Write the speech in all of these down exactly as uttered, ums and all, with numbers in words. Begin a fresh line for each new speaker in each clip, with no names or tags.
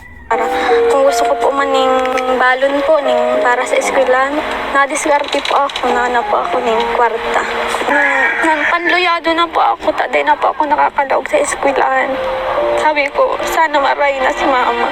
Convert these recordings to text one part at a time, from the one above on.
Para kung gusto ko po maning balon po ning para sa eskwelahan, nadiskarte po ako na na po ako ning kwarta. Nung, nung panluyado na po ako, taday na po ako nakakalaog sa eskwelahan. Sabi ko, sana maray na si mama.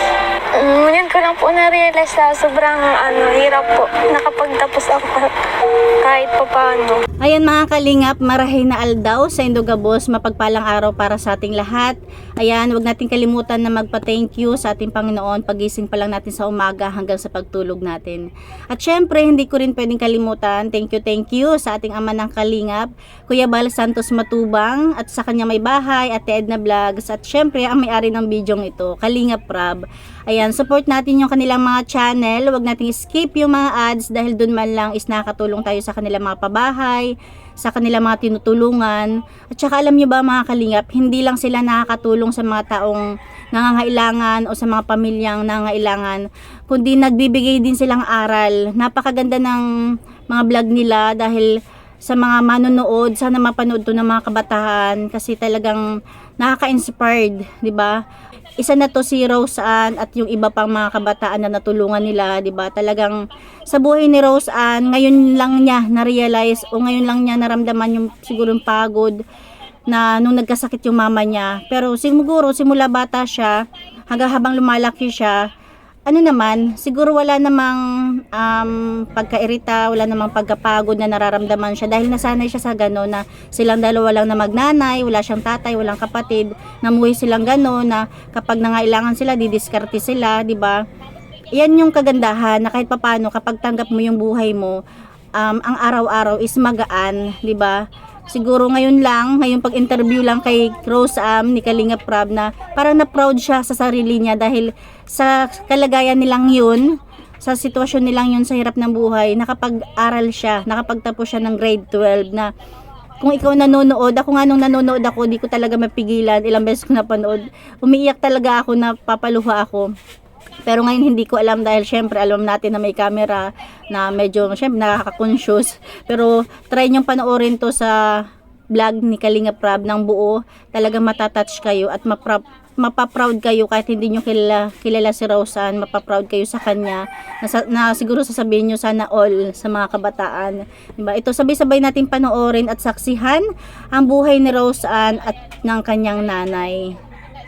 Um, yan ko lang po na-realize na sobrang ano, hirap po. Nakapagtapos ako kahit pa paano.
Ayan mga kalingap, marahay na aldaw sa Indogabos, mapagpalang araw para sa ating lahat. Ayan, huwag natin kalimutan na magpa-thank you sa ating Panginoon pagising pa lang natin sa umaga hanggang sa pagtulog natin. At syempre, hindi ko rin pwedeng kalimutan, thank you, thank you sa ating ama ng kalingap, Kuya Bal Santos Matubang, at sa kanya may bahay, Ate Edna Vlogs, at syempre ang may-ari ng bidyong ito, Kalingap Rab. Ayan, support natin yung kanilang mga channel, huwag natin skip yung mga ads dahil dun man lang is nakakatulong tayo sa kanilang mga pabahay, sa kanilang mga tinutulungan. At saka alam nyo ba mga kalingap, hindi lang sila nakakatulong sa mga taong nangangailangan o sa mga pamilyang nangangailangan, kundi nagbibigay din silang aral. Napakaganda ng mga vlog nila dahil sa mga manonood, sana mapanood to ng mga kabataan kasi talagang nakaka-inspired, di ba? Isa na to si Rose Ann at yung iba pang mga kabataan na natulungan nila, 'di ba? Talagang sa buhay ni Rose Ann, ngayon lang niya na-realize o ngayon lang niya naramdaman yung siguro yung pagod na nung nagkasakit yung mama niya. Pero siguro simula bata siya hanggang habang lumalaki siya, ano naman, siguro wala namang um, pagkairita, wala namang pagkapagod na nararamdaman siya dahil nasanay siya sa gano'n na silang dalawa lang na magnanay, wala siyang tatay, walang kapatid, namuhi silang gano'n na kapag nangailangan sila, didiskarte sila, di ba? Yan yung kagandahan na kahit papano kapag tanggap mo yung buhay mo, um, ang araw-araw is magaan, di ba? Siguro ngayon lang, ngayong pag-interview lang kay Rose Am ni Kalingap Rab na parang na-proud siya sa sarili niya dahil sa kalagayan nilang yun, sa sitwasyon nilang yun sa hirap ng buhay, nakapag-aral siya, nakapagtapos siya ng grade twelve na kung ikaw nanonood, ako nga nung nanonood ako, di ko talaga mapigilan, ilang beses ko napanood, umiiyak talaga ako, napapaluha ako. Pero ngayon hindi ko alam dahil syempre alam natin na may camera na medyo syempre nakaka-conscious. Pero try nyo panoorin to sa vlog ni Kalingap Rab ng buo. Talagang matatouch kayo at mapra- mapaproud kayo kahit hindi nyo kilala, kilala si Rose Ann. Mapaproud kayo sa kanya na, na siguro sasabihin nyo sana all sa mga kabataan. Diba? Ito sabay-sabay natin panoorin at saksihan ang buhay ni Rose Ann at ng kanyang nanay.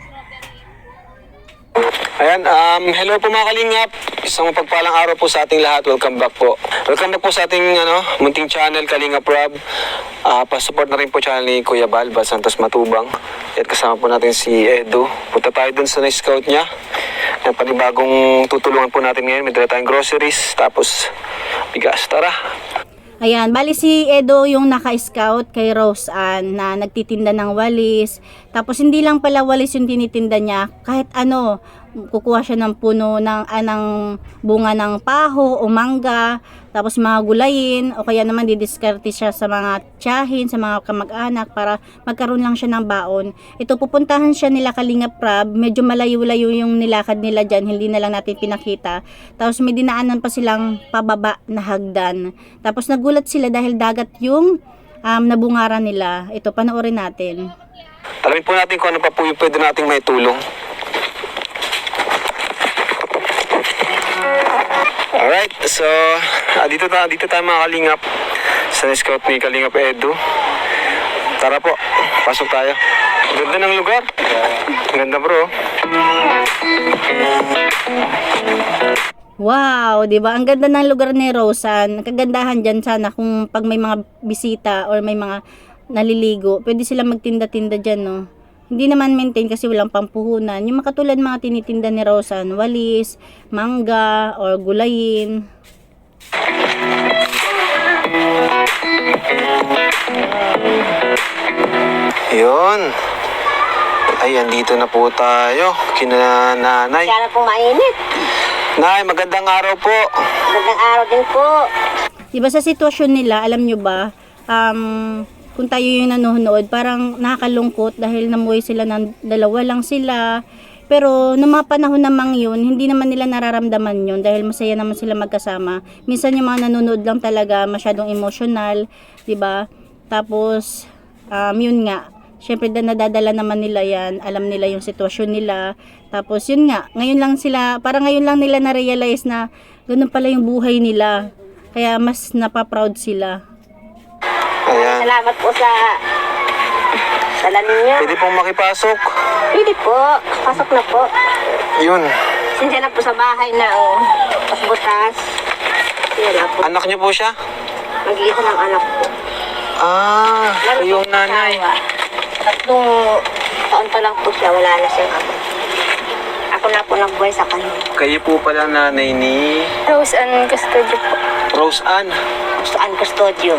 Ayan, um, hello po mga kalingap. Isang mapagpalang araw po sa ating lahat. Welcome back po. Welcome back po sa ating ano, munting channel, Kalingap Rab. Uh, pa-support na rin po channel ni Kuya Bal, Bal Santos Matubang. At kasama po natin si Edu. Punta tayo dun sa na-scout niya. Ang panibagong tutulungan po natin ngayon. May dala tayong groceries, tapos bigas. Tara!
Ayan, bali si Edo yung naka-scout kay Rose Ann na nagtitinda ng walis. Tapos hindi lang pala walis yung tinitinda niya, kahit ano, kukuha siya ng puno ng anang bunga ng paho o mangga, tapos mga gulayin, o kaya naman didiskarte siya sa mga tiyahin, sa mga kamag-anak para magkaroon lang siya ng baon. Ito, pupuntahan siya nila Kalingap Rab, medyo malayo-layo yung nilakad nila dyan, hindi na lang natin pinakita. Tapos may dinaanan pa silang pababa na hagdan. Tapos nagulat sila dahil dagat yung um, nabungaran nila. Ito, panoorin natin.
Alamin po natin kung ano pa po yung pwede nating may tulong. Alright, so ah, dito, ta dito tayo mga kalingap sa scout ni Kalingap Edu. Tara po, pasok tayo. Ganda ng lugar. Ganda bro.
Wow, 'di ba? Ang ganda ng lugar ni Rose Ann. Kagandahan diyan sana kung pag may mga bisita or may mga naliligo, pwede sila magtinda-tinda diyan, no. Hindi naman maintain kasi walang pampuhunan. Yung makatulad mga tinitinda ni Rose Ann, walis, mangga, or gulayin.
Yun. Ayan, dito na po tayo. Kina nanay.
Sana po mainit.
Nay, magandang araw po.
Magandang araw din po.
Diba sa sitwasyon nila, alam nyo ba, um, kung tayo yung nanonood, parang nakakalungkot dahil namuhay sila ng dalawa lang sila. Pero nung mga panahon namang yun, hindi naman nila nararamdaman yun dahil masaya naman sila magkasama. Minsan yung mga nanonood lang talaga masyadong emotional, 'di ba? Tapos um, yun nga, syempre da nadadala naman nila yan, alam nila yung sitwasyon nila. Tapos yun nga, ngayon lang sila, parang ngayon lang nila na-realize na ganun pala yung buhay nila. Kaya mas napaproud sila.
Ayan.
Salamat po sa dala ninyo.
Pwede pong makipasok.
Pwede po. Pasok na po.
Yun.
Sindihan na po sa bahay na, oh. Butas-butas. Yan na po.
Anak niyo po siya?
Mag-iisa ng anak po.
Ah,
Meron
yung
po
nanay.
asawa. Tatlong taon pa lang po siya. Wala na siyang ako. Ako na po nagbuhay sa kanya.
Kayo po pala nanay ni
Rose and Custodio po.
Rose Ann.
Saan custodio.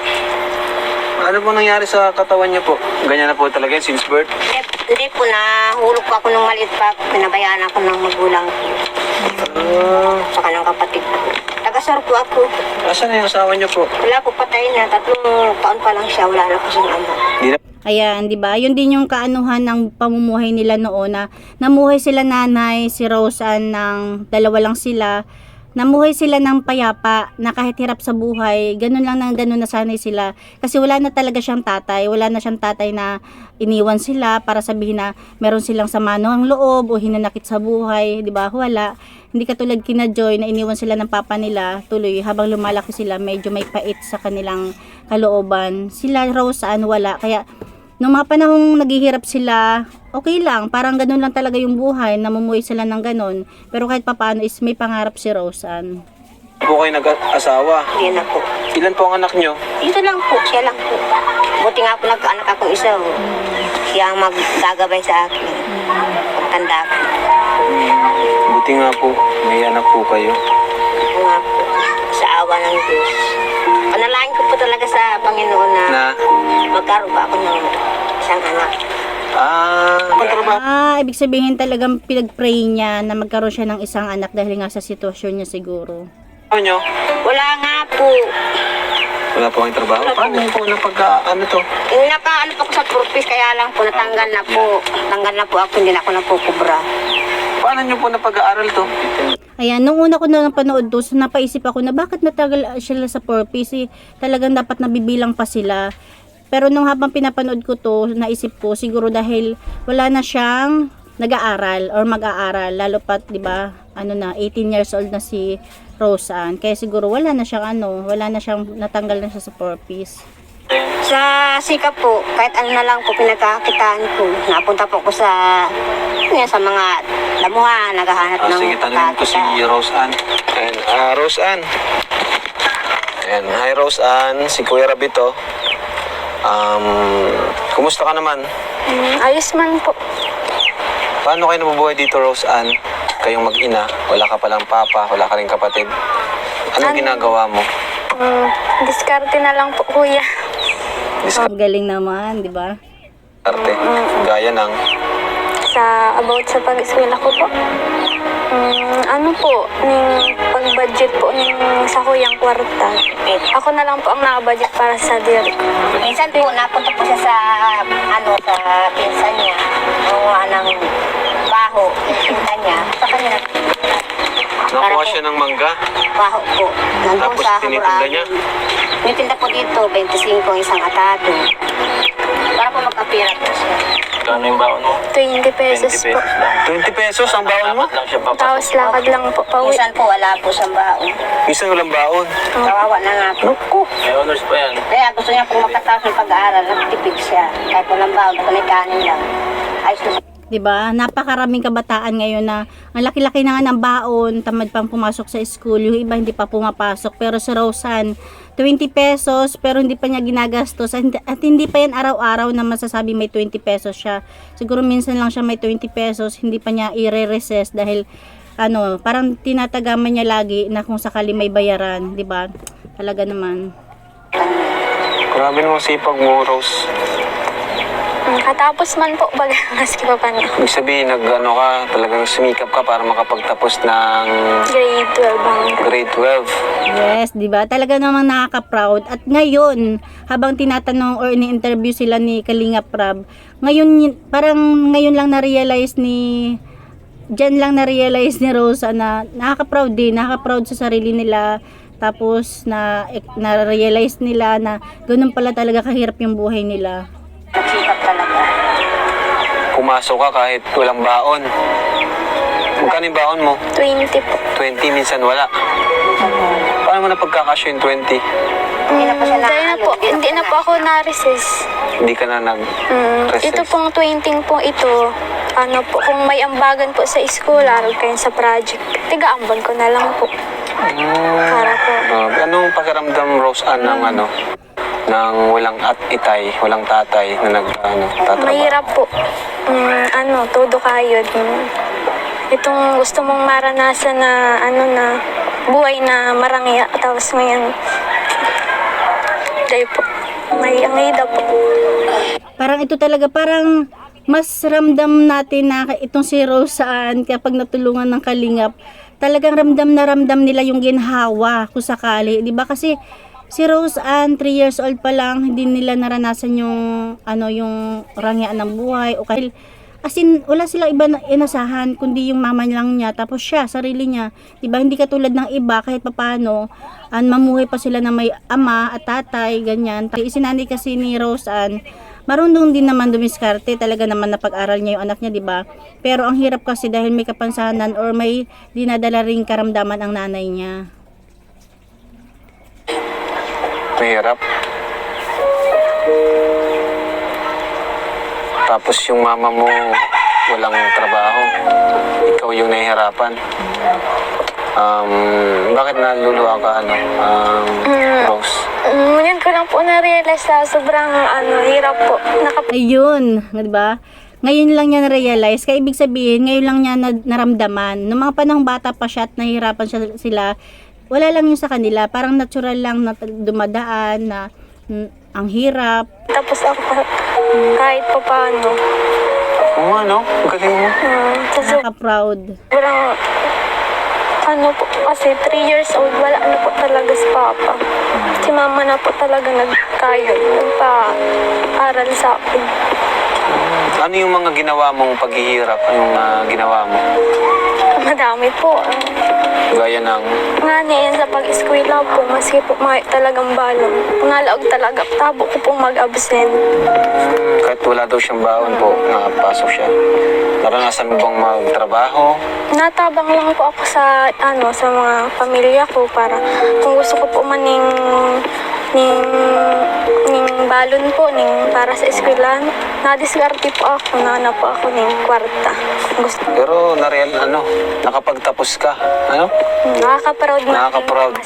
Ano po nangyari sa katawan niyo po? Ganyan na po talaga yun since birth?
Hindi, hindi po, nahulog po ako nung maliit pa. Pinabayaan ako ng magulang ko.
Ah,
Saka ng kapatid ko. Tagasar po ako.
asan na yung asawa niyo po?
Wala po, patay na. Tatlong taon pa lang siya. Wala na po siyang ama.
Di na
Ayan, 'di ba? Yun din yung kaanuhan ng pamumuhay nila noon na namuhay sila nanay, si Rose Ann ng dalawa lang sila. Namuhay sila ng payapa na kahit hirap sa buhay, ganun lang nang ganun nasanay sila. Kasi wala na talaga siyang tatay, wala na siyang tatay na iniwan sila para sabihin na meron silang sama ng loob o hinanakit sa buhay, 'di ba? Wala. Hindi katulad kina Joy na iniwan sila ng papa nila, tuloy habang lumalaki sila, medyo may pait sa kanilang kalooban. Sila Rose Ann wala, kaya nung mga panahong naghihirap sila, okay lang, parang ganun lang talaga yung buhay, namumuhay sila ng ganun. Pero kahit papaano is may pangarap si Rose Ann.
po kayo nag-asawa.
Hindi na po.
Ilan po ang anak niyo?
Dito lang po, siya lang po. Buti nga po nagkaanak akong isa. Oh. Siya ang maggagabay sa akin. Pagtanda ko.
Buti nga po, may anak po kayo.
Ako nga po, sa awa ng Diyos. Panalangin ko po talaga sa Panginoon na,
Na?
magkaroon pa ako ng isang anak.
Ah, pagtrabaho.
Ah, ibig sabihin talagang pinag-pray niya na magkaroon siya ng isang anak dahil nga sa sitwasyon niya siguro.
Niyo?
Wala nga po.
Wala po kayong trabaho? Paano po na pag, ano to?
Eh, naka, ano po ako sa purpose, kaya lang po, natanggal na po. Natanggal na po ako, hindi na ako napukubra.
Paano niyo po napag-aaral to?
Ayan, nung una ko na napanood to, so napaisip ako na bakit natagal sila sa purpose, eh, talagang dapat nabibilang pa sila. Pero nung habang pinapanood ko to, naisip ko siguro dahil wala na siyang nag-aaral or mag-aaral, lalo pat 'di ba? Ano na, eighteen years old na si Rose Ann. Kaya siguro wala na siyang ano, wala na siyang natanggal na siya sa purpose.
Sa sikap po, kahit ano na lang po pinagkakitaan ko, napunta po ko sa, yan, sa mga damuhan, naghahanap
Ah,
ng
sige, tanongin ko si
pagkakitaan.
Rose Ann. Ayan, ah, Rose Ann. Ayan, hi Rose Ann, si Kuya Rabito. Um, kumusta ka naman?
Mm, ayos man po.
Paano kayo nabubuhay dito, Rose Ann? Kayong mag-ina, wala ka palang papa, wala ka rin kapatid. Anong
Ano?
ginagawa mo?
Mm, diskarte na lang po, kuya.
Ang galing naman, 'di ba?
Diskarte, gaya ng...
Sa about sa pag-eskwela ko po. Mm, ano po, ning pag-budget po ning sa kuyang kwarta. Ako na lang po ang naka-budget para sa diri ko.
Minsan po, napunta po siya sa, ano, sa pinsan niya, gumawa ng baho, yung pinsan niya, sa kanya,
Nakuha siya ng mangga,
baho po, nandun
tapos
sa
tinitinda niya.
Hamuraan. Tinitinda po dito, twenty-five ang isang atado. Para po magkapira po siya.
Kano yung baon mo?
twenty pesos po.
lang.
twenty pesos ang baon mo?
Dapat lang siya papasok.
Tapos lakad lang po pauwi.
Minsan po, wala po siyang baon.
Minsan walang baon.
Kawawa na nga po.
May honors pa yan.
Kaya gusto niya po magkatapos ng pag-aaral, nagtipid siya. Kahit walang baon, kung may kanin lang. Ayos na siya.
'Di ba? Napakaraming kabataan ngayon na ang laki-laki na nga ng baon, tamad pang pumasok sa school, yung iba hindi pa pumapasok. Pero si Rose Ann, twenty pesos pero hindi pa niya ginagastos at hindi, at hindi pa yan araw-araw na masasabi may twenty pesos siya. Siguro minsan lang siya may twenty pesos, hindi pa niya i-recess dahil ano, parang tinatagaman niya lagi na kung sakali may bayaran, 'di ba? Talaga naman.
Grabe naman sipag mo, Rose.
Mm, katapos man po, bagas ko pa pa niya.
Ibig sabihin, nag-ano ka, talagang sumikap ka para makapagtapos ng
Grade twelve hanggang.
grade twelve.
Yes, 'di ba? Talaga namang nakaka-proud. At ngayon, habang tinatanong or ini-interview sila ni Kalinga Prab, ngayon y- parang ngayon lang na-realize ni Diyan lang na-realize ni Rosa na nakaka-proud din, nakaka-proud sa sarili nila. Tapos na na-realize nila na ganun pala talaga kahirap yung buhay nila.
Nagsikap talaga.
pumasok ka kahit walang baon. Magkano yung baon mo?
twenty po.
twenty, minsan wala. Paano mo na pagkakasya yung twenty?
Hindi na po siya na,
Dahil na
ano,
po, hindi na po ako na-recess.
Hindi ka na nag...
Mm,
Recess.
ito pong twenty po ito, ano po, kung may ambagan po sa school, aral kayo sa project, tiga-ambag ko na lang po. Para po.
Uh, anong pakiramdam, Rose Ann, ng ano? Ng walang at itay, walang tatay na nag, ano, tatrabaho?
Mahirap po. Mm, ano, todo kayo. Mm, itong gusto mong maranasan na, ano na, buhay na marangya. Tapos ngayon, dahil po, may angida po.
Parang ito talaga, parang mas ramdam natin na itong si Roseanne kapag natulungan ng kalingap, talagang ramdam na ramdam nila yung ginhawa kung sakali, di ba? Kasi si Roseanne, three years old pa lang, hindi nila naranasan yung ano yung rangyaan ng buhay o kahit as in, wala silang iba na inasahan kundi yung mama lang niya, tapos siya, sarili niya, di ba? Hindi katulad ng iba kahit papano, an mamuhay pa sila na may ama at tatay, ganyan. Isinanay kasi ni Roseanne, marunong din naman dumiskarte, talaga naman napag-aral niya yung anak niya, di ba? Pero ang hirap kasi dahil may kapansanan or may dinadala ring karamdaman ang nanay niya.
Mahirap. Tapos yung mama mo walang trabaho. Ikaw yung nahihirapan. Um, bakit naluluha ka, ano, um, Rose?
Mm, yun ko lang po na-realize na sobrang ano, hirap po. Nakap-
Ayun, di ba? Ngayon lang niya na-realize, kaya ibig sabihin, ngayon lang niya na- naramdaman. Noong mga panahong bata pa siya at nahihirapan siya, sila, wala lang yun sa kanila. Parang natural lang na dumadaan, na mm, ang hirap.
Tapos ako pa- kahit pa paano.
Oo, ano? Ang galing mo.
Mm, sa
Nakaka-proud.
sobrang ano po, kasi three years old, wala na po talaga si Papa. Si Mama na po talaga nagkayod, nagpa-aral sa akin.
Ano yung mga ginawa mong paghihirap? Yung ah, ginawa mo?
Madami po. ah.
Gaya ng...
Nga niyan sa pag-eskwela po, maski po may talagang balong. Pangalaog talaga, tabo ko pong mag-absent.
Kahit wala daw siyang baon po, nakapasok siya. Naranasan mo bang magtrabaho?
Natabang lang po ako sa ano sa mga pamilya ko para kung gusto ko po maning ning ning balon po ning para sa eskwelahan, nadiskarte po ako, nana po ako ning kwarta. Gusto
Pero nareal, ano, nakapagtapos ka. Ano?
nakaka-proud na.
Nakaka-proud.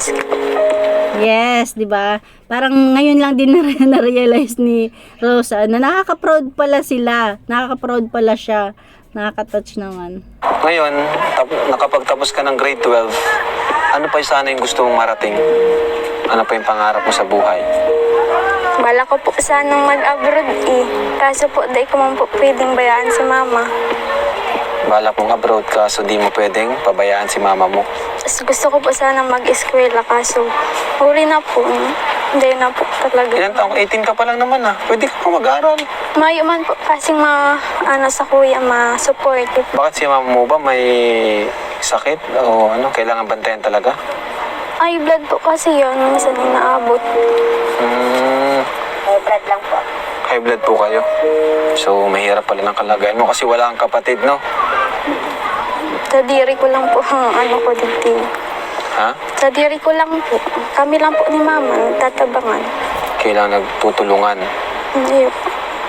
Yes, 'di ba? Parang ngayon lang din na- na-realize ni Rosa na nakaka-proud pala sila. Nakaka-proud pala siya. Nakaka-touch naman.
Ngayon, tap- nakapagtapos ka ng grade twelve, ano pa yung sana yung gusto mong marating? Ano pa yung pangarap mo sa buhay?
Bala ko po sanang mag-abroad eh. Kaso po, dahil ko man po pwedeng bayaan si mama.
Balak mong abroad ka, so di mo pwedeng pabayaan si mama mo.
Tapos gusto ko po sanang mag-eskwela, kaso huli na po. Hindi na po talaga.
Ilan taong? eighteen ka pa lang naman ah. Pwede ka pa mag-aral.
Mayo man po kasing ma, ano sa kuya, ma-support.
Bakit si mama mo ba may sakit? O ano, kailangan bantayan talaga?
Ay, blood po kasi yun. Minsan yung naabot.
Hmm,
Eh, blood lang po.
high blood po kayo. So, mahirap pala ng kalagayan mo kasi wala kang kapatid, no?
Sa diri ko lang po ang ano ko dito.
Ha?
Sa diri ko lang po. Kami lang po ni mama, nagtatabangan.
Kailangan nagtutulungan.
Hindi po.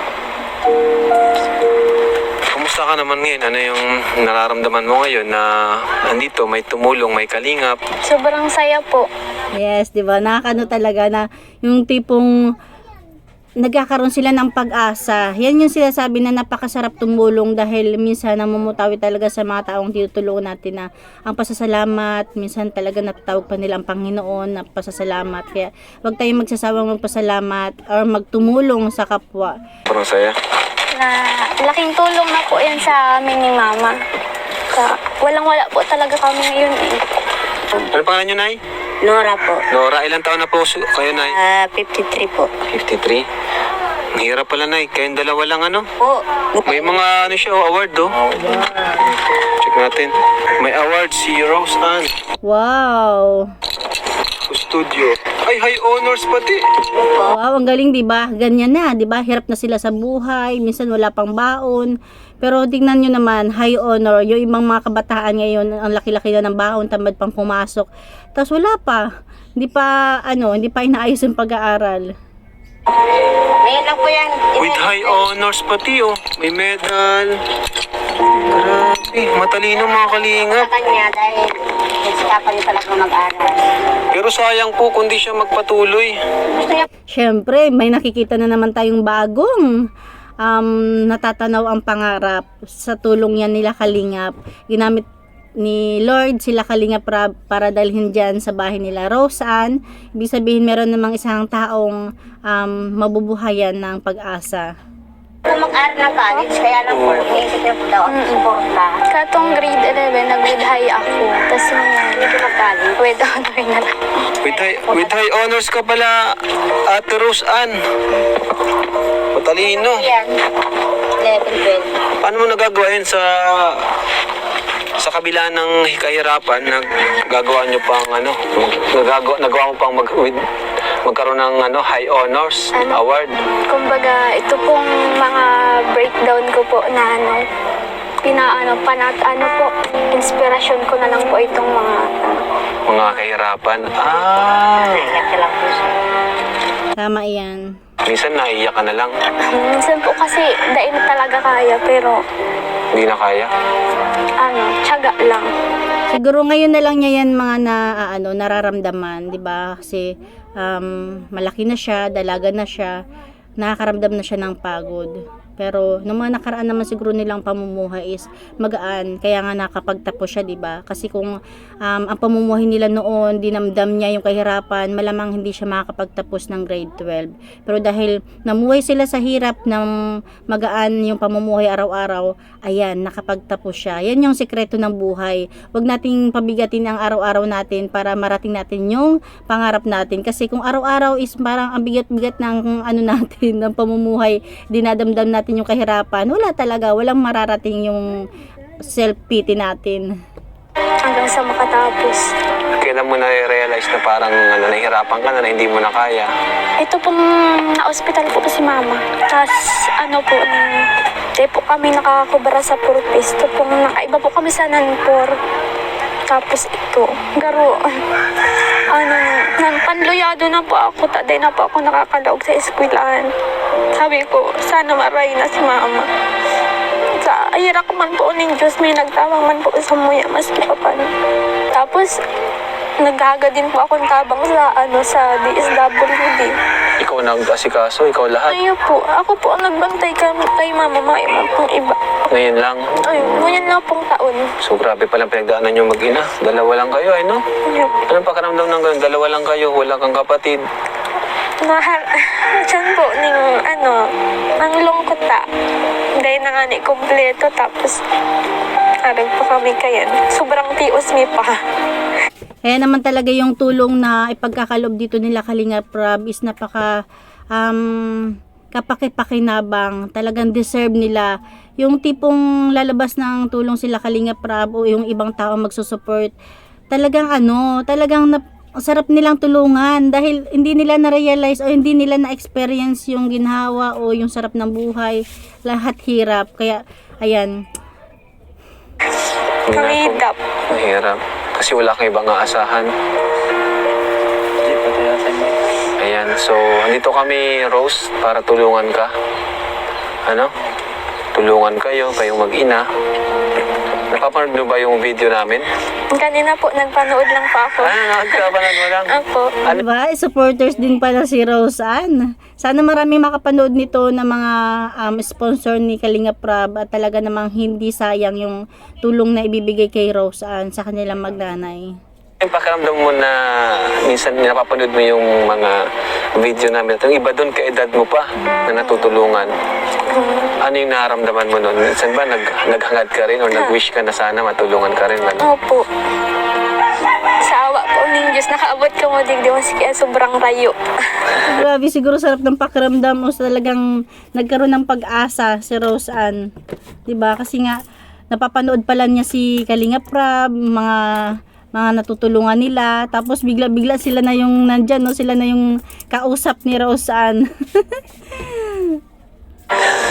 Kumusta ka naman ngayon? Ano yung nararamdaman mo ngayon na andito, may tumulong, may kalingap?
Sobrang saya po.
Yes, 'di ba? Nakakano talaga na yung tipong nagkakaroon sila ng pag-asa. Yan yung sinasabi na napakasarap tumulong dahil minsan namumutawi talaga sa mga taong tinutulungan natin na ang pasasalamat, minsan talaga natatawag pa nila ang Panginoon na pasasalamat. Kaya wag tayong magsasawang magpasalamat or magtumulong sa kapwa.
Parang saya.
Na laking tulong na po yan sa amin ni mama. Sa, walang-wala po talaga kami ngayon eh.
Ano pangalan nyo, Nay?
Nora po.
Nora, ilang taon na po su- kayo, Nay?
Ah, fifty-three po.
fifty-three. Ang hirap pala, Nay. Kayong dalawa lang, ano?
Po.
May mga, ano siya, oh, award, oh. Check natin. May award si Rose Ann.
Wow!
Studio. Ay, high honors pati.
Wow, ang galing, 'di ba? Ganyan na, 'di ba? Hirap na sila sa buhay, minsan wala pang baon. Pero tingnan nyo naman, high honor, yung ibang mga kabataan ngayon, ang laki-laki na ng baon, tamad pang pumasok. Tapos wala pa, hindi pa, ano, hindi pa inaayos yung pag-aaral.
Ngayon lang po yan.
With high honors pati oh. May medal. Grabe. Matalino mga kalingap.
Sa kanya dahil nagsikapan niya talaga mag-aral.
Pero sayang po kung di siya magpatuloy.
Gusto niya
Siyempre, may nakikita na naman tayong bagong um, natatanaw ang pangarap sa tulong yan nila Kalingap. Ginamit ni Lord sila Kalingap Rab para dalhin dyan sa bahay nila Roseanne. Ibig sabihin meron namang isang taong um, mabubuhayan ng pag-asa.
po mag-aral ng college, kaya lang po, iniisip niya po daw ang suporta.
Katong grade eleven, nag-with high ako. Tapos yung
Hindi po mag-college.
with honor na lang.
With high, with high honors ka pala, Ate Roseanne. Matalino.
Yan. eleven, twelve.
Paano mo nagagawa yun sa sa kabila ng kahirapan, naggagawa nyo pang ano, nagagawa, nagawa mo pang mag, with, magkaroon ng ano, high honors
Ano?
award.
Kumbaga, ito pong mga breakdown ko po na ano, pinaano, panat, ano po, inspirasyon ko na lang po itong mga,
Mga kahirapan. Ah,
Naiyak siya lang po siya.
Tama yan.
minsan naiiyak ka na lang.
minsan po kasi, dain talaga kaya, pero,
Hindi na kaya.
ano, tiyaga lang.
Siguro ngayon na lang niya yan mga na ah, ano nararamdaman, 'di ba? Kasi um, malaki na siya, dalaga na siya, nakakaramdam na siya ng pagod. Pero nung mga nakaraan naman siguro nilang pamumuhay is magaan, kaya nga nakapagtapos siya, 'di ba? Kasi kung um, ang pamumuhay nila noon, dinamdam niya yung kahirapan, malamang hindi siya makakapagtapos ng grade twelve. Pero dahil namuhay sila sa hirap ng magaan yung pamumuhay araw-araw, ayan, nakapagtapos siya. Yan yung sikreto ng buhay. Huwag nating pabigatin ang araw-araw natin para marating natin yung pangarap natin. Kasi kung araw-araw is parang ang bigat-bigat ng ano natin, ng pamumuhay, dinadamdam natin yung kahirapan, wala talaga, walang mararating yung self-pity natin.
Hanggang sa makatapos.
Kailan mo na-realize na parang ano, nahihirapan ka na, na hindi mo na kaya?
Ito pong na-hospital po si mama. Tapos ano po, nung di po kami nakakubara sa purpose. Ito pong nakaiba po kami sa nanpor. Tapos ito, garo, ano, nanpanluyado na po ako. Taday na po ako nakakalaog sa eskwelahan. Sabi ko, sana maray na si mama. Sa ayira ko man po ng Diyos, may nagtawang man po sa muya, maski pa paano. Tapos, naghaga din po akong tabang sa, ano, sa D S W D.
Ikaw nag-asikaso, ikaw lahat.
Ayun po, ako po ang nagbantay kay, kay mama, mga iba pong iba.
Ngayon lang.
Ayun, ngunyan lang pong taon.
So grabe palang pinagdaanan nyo mag-ina. Dalawa lang kayo, ay no?
Ayun.
Anong pakiramdam ng ganun? Dalawa lang kayo, wala kang kapatid.
Mahal, dyan po, ning, ano, ang lungkot ta. Dahil na nga ni kompleto, tapos, arag po kami kayan. Sobrang tios mi pa.
Kaya naman talaga yung tulong na ipagkakalob dito nila Kalingap Rab is napaka um, kapaki-pakinabang. Talagang deserve nila. Yung tipong lalabas ng tulong sila Kalingap Rab o yung ibang tao magsusupport. Talagang ano, talagang nap sarap nilang tulungan dahil hindi nila na-realize o hindi nila na-experience yung ginhawa o yung sarap ng buhay. Lahat hirap. Kaya, ayan,
Kamidap.
Mahirap. Kasi wala kang ibang aasahan.
Hindi pa tayo sa inyo.
Ayan, so andito kami, Rose, para tulungan ka. Ano? Tulungan kayo, kayong mag-ina. Napapanood mo ba yung video namin?
Kanina po, nagpanood lang pa ako.
Ano, nakagkapanood mo lang?
Ako.
diba? Supporters din pala si Roseanne. Sana marami makapanood nito na mga um, sponsor ni Kalingap Rab at talaga namang hindi sayang yung tulong na ibibigay kay Roseanne sa kanilang magnanay.
Yung pakiramdam mo na minsan napapanood mo yung mga video namin. Yung iba doon, kaedad mo pa na natutulungan. Ano yung nararamdaman mo noon? Minsan ba nag, naghangad ka rin o nag-wish ka na sana matulungan ka rin? Ano?
Opo. Sa awa po ng Diyos, nakaabot ko mo digdi mas kaya sobrang rayo.
Grabe, siguro sarap ng pakiramdam o talagang nagkaroon ng pag-asa si Roseanne. Diba? Kasi nga, napapanood pala niya si Kalingap Rab, mga mga natutulungan nila, tapos bigla-bigla sila na yung nandyan, no? Sila na yung kausap ni Roseanne.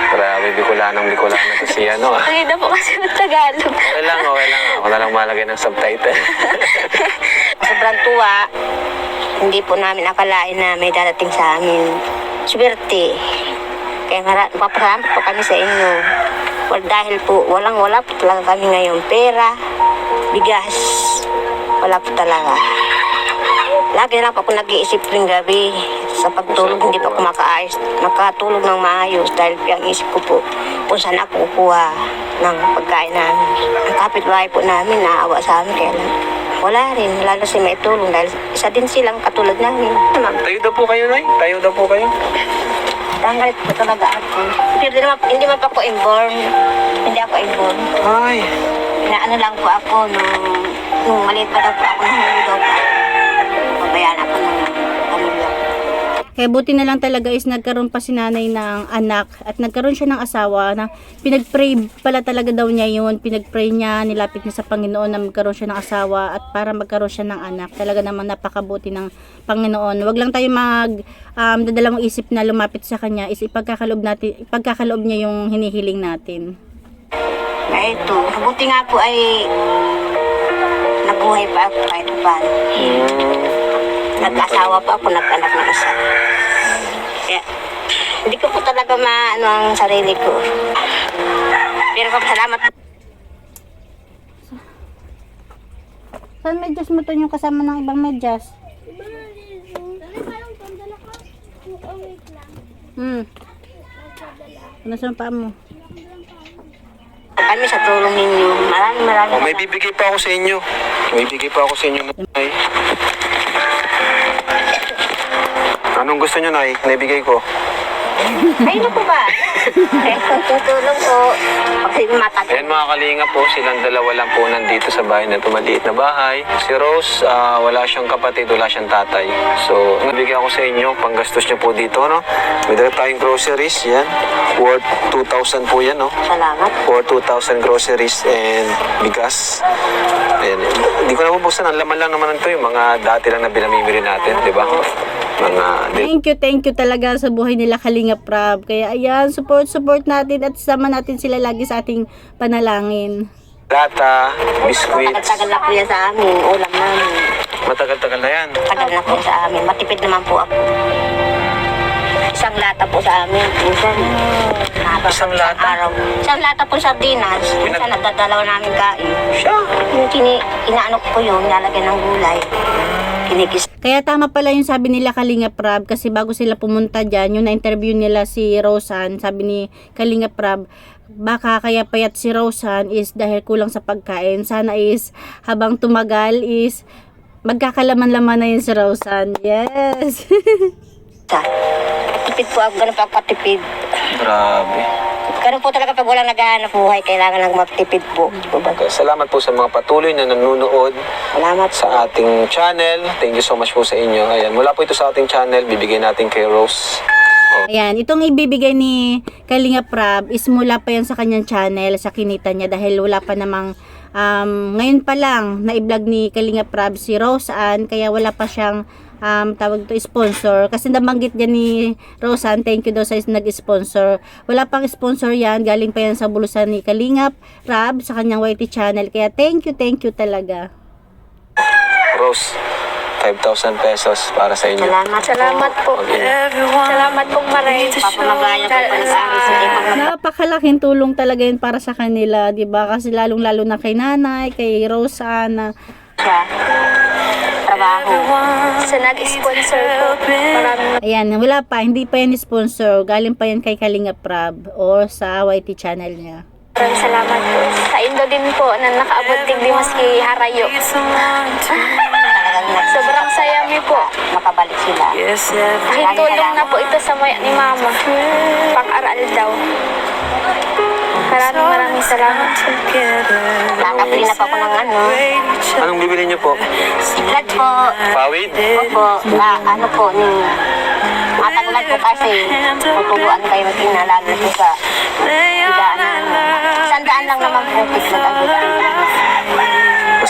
Grabe, Bicolanang Bicolana to si ano ah.
Hindi na po kasi ng Tagalog.
Okay lang, okay lang. Ako na lang malagay ng subtitle.
Sobrang tuwa. Hindi po namin akalain na may darating sa amin. Swerte. Kaya mara- papasalamat po kami sa inyo. Well, dahil po walang-wala po talaga kami ngayon. Pera, bigas, wala po talaga. Lagi lang po ako nag-iisip ring gabi. Sa pagtulog, hindi pa ako makaayos, makatulog ng maayos dahil ang isip ko po kung saan ako kukuha ng pagkain namin. Ang kapitbahay po namin, naawa sa amin, kaya lang wala rin, lalo si may tulong dahil isa din silang katulad namin.
Tayo daw po kayo, Nay. Tayo daw po kayo.
Tanggalit po talaga ako. Hindi naman, hindi man pa ako inborn. Hindi ako inborn.
Ay.
Inaano lang po ako nung, nung maliit pa daw po ako nung daw po. Pabayaan ako ng pamilya.
Kaya buti na lang talaga is nagkaroon pa si nanay ng anak at nagkaroon siya ng asawa na pinagpray pala talaga daw niya yun. Pinagpray niya, nilapit niya sa Panginoon na magkaroon siya ng asawa at para magkaroon siya ng anak. Talaga namang napakabuti ng Panginoon. Huwag lang tayo mag um, dadalawang isip na lumapit sa Kanya is ipagkakaloob, natin, ipagkakaloob niya yung hinihiling natin.
Kaya ito, mabuti nga po ay nabuhay pa ako kahit paano. Nag-asawa pa ako, nag-anak ng isa. Kaya, hindi ko po talaga maano ang sarili ko. Pero salamat.
Saan medyas mo to yung kasama ng ibang medyas? Hmm. Ano sa paa mo?
Kami sa tulong ninyo. Maraming maraming.
Oh, may bibigay pa ako sa inyo. May bibigay pa ako sa inyo, Nay. Anong gusto nyo, Nay? Naibigay ko.
Ay, ano po ba? Eh, tutulong po. Kasi matagal.
Ayan mga kalinga po, silang dalawa lang po nandito sa bahay na tumaliit na bahay. Si Rose, ah, wala siyang kapatid, wala siyang tatay. So, nabigyan ko sa inyo, panggastos niyo po dito, no? May dala tayong groceries, yan. Worth two thousand po yan, no?
Salamat.
For two thousand groceries and bigas. Ayan. Hindi ko na mabuksan, ang laman lang naman ito, yung mga dati lang na binamimili natin, di ba? Mga...
Thank you, thank you talaga sa buhay nila Kalinga Prab. Kaya ayan, support, support natin at sama natin sila lagi sa ating panalangin.
Lata, biscuits.
Tagal-tagal na po yan sa amin. Ulam namin.
Matagal-tagal na yan.
Tagal na po sa amin. Matipid naman po ako. Isang lata po sa amin. Minsan, haba
Isang
po
lata?
araw. Isang lata po sardinas. Minsan,
Pinag-
nagdadalaw namin kain.
Siya.
Yung kini, inaano ko po yun, nilalagyan ng gulay. Kinikis.
Kaya tama pala yung sabi nila Kalinga Prab kasi bago sila pumunta dyan, yung na-interview nila si Rosan, sabi ni Kalinga Prab, baka kaya payat si Rosan is dahil kulang sa pagkain. Sana is habang tumagal is magkakalaman-laman na yun si Rosan. Yes!
Tipid po ako, ganun po ako katipid.
Grabe.
Ganun po talaga pag walang naghahanap buhay, kailangan lang magtipid po.
Okay, salamat po sa mga patuloy na nanonood
Salamat
sa ating channel. Thank you so much po sa inyo. Ayan, mula po ito sa ating channel, bibigyan natin kay Rose.
Ayan, itong ibibigay ni Kalinga Prab is mula pa yan sa kanyang channel, sa kinita niya dahil wala pa namang um, ngayon pa lang na i-vlog ni Kalinga Prab si Roseanne, kaya wala pa siyang um, tawag to sponsor kasi nabanggit niya ni Roseanne, thank you daw sa nag-sponsor. Wala pang sponsor yan, galing pa yan sa bulusan ni Kalinga Prab sa kanyang Y T channel, kaya thank you, thank you talaga.
Rose, five thousand pesos para sa inyo.
Salamat.
Salamat po.
Okay.
Salamat po maray.
Papamagaya po pa nag-aaral sa ibang
Napakalaking tulong talaga yun para sa kanila, 'di ba? Kasi lalong-lalo na kay nanay, kay Roseanne.
sa trabaho.
Sa nag-sponsor po. Maraming
Ayan, wala pa, hindi pa yan sponsor. Galing pa yan kay Kalinga Prab or sa Y T channel niya.
maraming salamat po. Sa Indo din po na nakaabot tigdi maski harayo.
Talagang
Sobrang saya mi po.
makabalik sila.
Kahit tulong na po ito sa maya ni mama. Pang-aral daw. Maraming maraming salamat po.
Nakabili na po ako ng ano.
Anong bibili niyo po?
Blood po.
Pawid?
Opo. Na ano po. Ning, matagulan po kasi. Tutuluan kayo magkinalala po sa bidaan. Sandaan lang naman po. Tignan ang bidaan.
Basta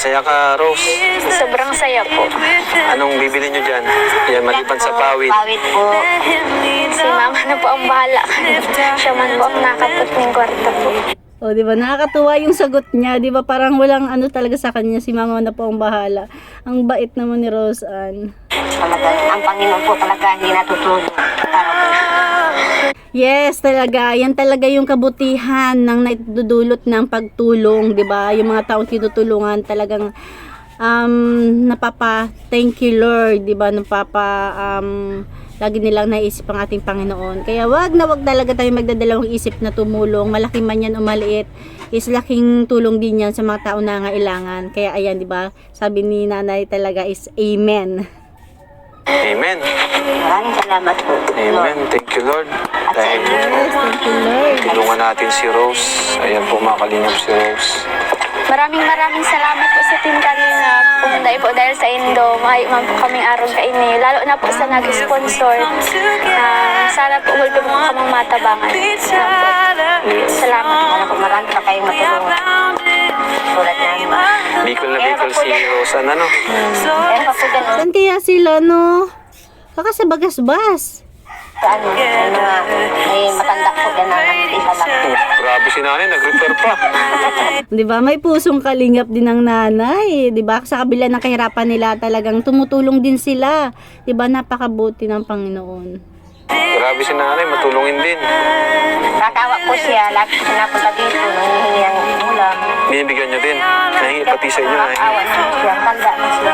Masaya ka, Rose.
Sobrang saya po.
Anong bibili nyo dyan? Yan, maliban sa pawid.
Pawid po.
Si mama na po ang bahala. Siya man po ang nakapot ng kwarta po.
O, di ba? Nakakatuwa yung sagot niya. Di ba? Parang walang ano talaga sa kanya. Si mama na po ang bahala. Ang bait naman ni Rose Ann.
Talaga, ang Panginoon po talaga hindi natutulog.
Yes, talaga. Yan talaga yung kabutihan ng naidudulot ng pagtulong, 'di ba? Yung mga taong tinutulungan talagang um napapa thank you Lord, 'di ba? Napapa um lagi nilang naisip ang ating Panginoon. Kaya wag na wag talaga tayo magdadalawang isip na tumulong, malaki man yan o maliit, is laking tulong din yan sa mga tao na nangailangan. Kaya ayan, 'di ba? Sabi ni Nanay talaga is amen.
Amen.
Maraming salamat po.
Amen. Thank you, Lord. Dahil
Yes, thank you Lord.
tulungan natin si Rose. Ayan po, mga kalingap si Rose.
Maraming maraming salamat po sa Team Kalingap. Pumunta po dahil sa Indo. Makayo po kaming araw ka ini. Lalo na po sa nag-sponsor. Ah, sana po ulpo po kamang matabangan. Salamat po. Salamat.
Sana po marami pa kayong matulungan. Tulad namin.
Bicol na Bicol si Rose. Ano, no?
Meron pa po dyan, oh.
Saan kaya sila, no? Baka sa Bagasbas.
Sa ano, may mga, may matanda po dyan na nag-isa lang.
Grabe si nanay, nag-refer pa.
'Di ba? May pusong kalingap din ng nanay, 'di ba? Sa kabila ng kahirapan nila, talagang tumutulong din sila. 'Di ba? Napakabuti ng Panginoon.
Grabe si nanay, matulungin din.
Kakawa po siya, lagi siya napunta dito, nangihingi ng ulam.
Binibigyan nyo din. Nahingi pati sa inyo. Nahingi.
Awa na siya, tanda na siya.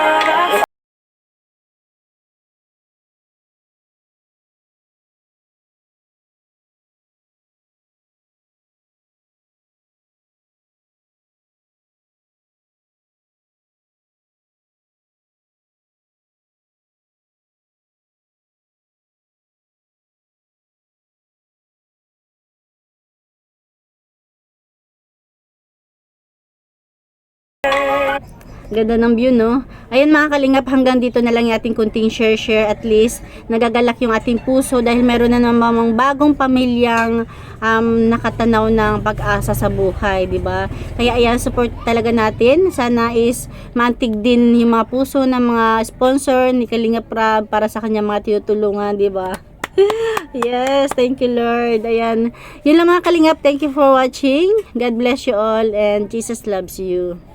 Ganda ng view, no? Ayan mga kalingap, hanggang dito na lang yung ating kunting share-share. At least, nagagalak yung ating puso dahil meron na namang bagong pamilyang um, nakatanaw ng pag-asa sa buhay, di ba? Kaya ayan, support talaga natin. Sana is mantig din yung mga puso ng mga sponsor ni Kalingap Rab para sa kanya mga tinutulungan, di ba? Yes, thank you Lord. Ayan, yun lang mga kalingap. Thank you for watching. God bless you all and Jesus loves you.